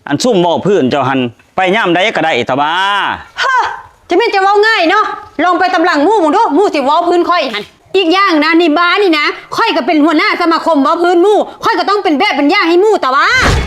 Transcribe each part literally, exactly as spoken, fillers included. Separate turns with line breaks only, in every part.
อันซุ่มบ่พื้นเจ้าหันไปย่ำใดก็ได้ตะบ้า
ฮะจะไม่จะเว้าง่ายเนาะลองไปตำหลังมู่มึงดูมู่สิเว้าพื้นค่อยหันอีกอย่างนะนี่บ้านี่นะค่อยก็เป็นหัวหน้าสมาคมเว้าพื้นมู่ค่อยก็ต้องเป็นแบบเป็นย่างให้มู่แต่ว่า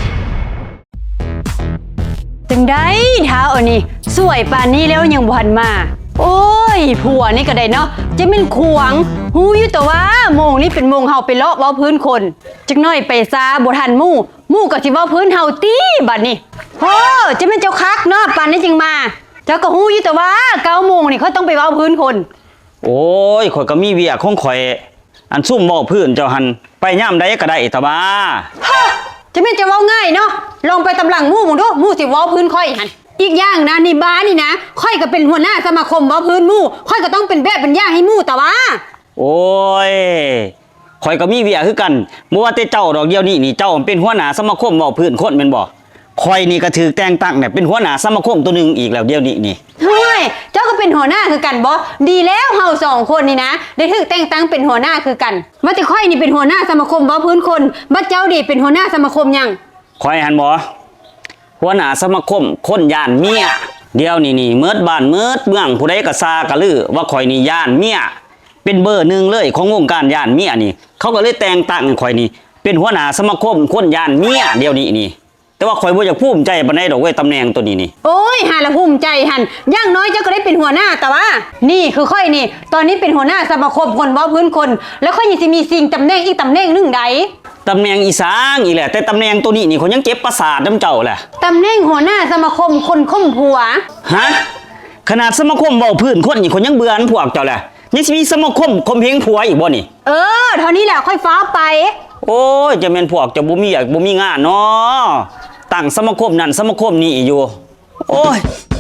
จังได้เท้าอันนี้สวยป่านนี้แล้วยังบ่ทันมาโอ้ยผัวนี่ก็ได้เนาะจะเป็นขวงหูอยู่แต่ว่าโมงนี่เป็นโมงเฮาไปเลาะเว้าพื้นคนจักหน่อยไปซาบ่ทันมู่มู่ก็สิเว้าพื้นเฮาตีบัดนี้โอ้จะเป็นเจ้าคักเนาะป่านนี้จึงมาเจ้าก็หูอยู่แต่ว่าเก้าโมงนี่เขาต้องไปเว้าพื้นคน
โอ้ยข่อยก็มีเวียกของข่อยอันซุ่มบ่พื้นเจ้าหันไปย่ำใดก็ได้ตะบ้า
ฮะจะไม่จะเว้าง่ายเนาะลองไปตำหลังมู่มึงดูมู่สิเว้าพื้นค่อยหันอีกอย่างนะนี่บ้านี่นะค่อยก็เป็นหัวหน้าสมาคมเว้าพื้นมู่ค่อยก็ต้องเป็นแบบเป็นย่างให้มู่แต่ว่า
โอ้ยข่อยก็มีเวียคือกันบ่ว่าแต่เจ้าดอกเดียวนี่นี่เจ้าเป็นหัวหน้าสมาคมเว้าพื้นคนแม่นบ่ข่อยนี่ก็ถือแต่งตั้งเนี่ยเป็นหัวหน้าสมาคมตัวนึงอีกแล้วเดียวนี้นี่
เฮ้ยเจ้าก็เป็นหัวหน้าคือกันบ่ดีแล้วเฮาสองคนนี่นะได้ถูกแต่งตั้งเป็นหัวหน้าคือกันว่าแต่ค่อยนี่เป็นหัวหน้าสมาคมเว้าพื้นคนบัดเจ้าดิเป็นหัวหน้าสมาคมหยัง
ข่อยหันบ่หัวหน้าสมาคมคนย่านเมียเดี๋ยวนี้นี่เมิดบ้านเมิดเมืองผู้ใดก็ซากะลือว่าข่อยนี่ย่านเมียเป็นเบอร์หนึ่งเลยของวงการย่านเมียนี่เขาก็เลยแต่งตั้งข่อยนี่เป็นหัวหน้าสมาคมคนย่านเมียเดี๋ยวนี้นี่แต่ว่าข่อยบ่อยากภูมิใจปานใดดอกเว้ยตำแหน่งตัวนี้นี่
โอ้ยหาละภูมิใจหั่นอย่างน้อยเจ้าก็ได้เป็นหัวหน้าแต่ว่านี่คือค่อยนี่ตอนนี้เป็นหัวหน้าสมาคมคนเว้าพื้นคนแล้วค่อยยังสิมีสิ่งตำแหน่งอีกตำแหน่งนึงใด
ตำแหน่งอีสางอีแหละแต่ตำแหน่งตัวนี้นี่เขายังเจ็บประสาทน้ำเจ้าแหละ
ตำแหน่งหัวหน้าสมาคมคนข่มผัว
ฮะขนาดสมาคมเว้าพื้นคนนี่เขายังเบื่ออันพวกเจ้าแหละยังสิมีสมาคมข่มเหงผัวอีกบ่นี่
เออเท่านี้แหละค่อยฟ้าไป
โอ้ยจะแม่นพวกเจ้าบ่มีอยากบ่มีงานเนาะตั้งสมาคมนั่นสมาคมนี้อยู่โอ้ย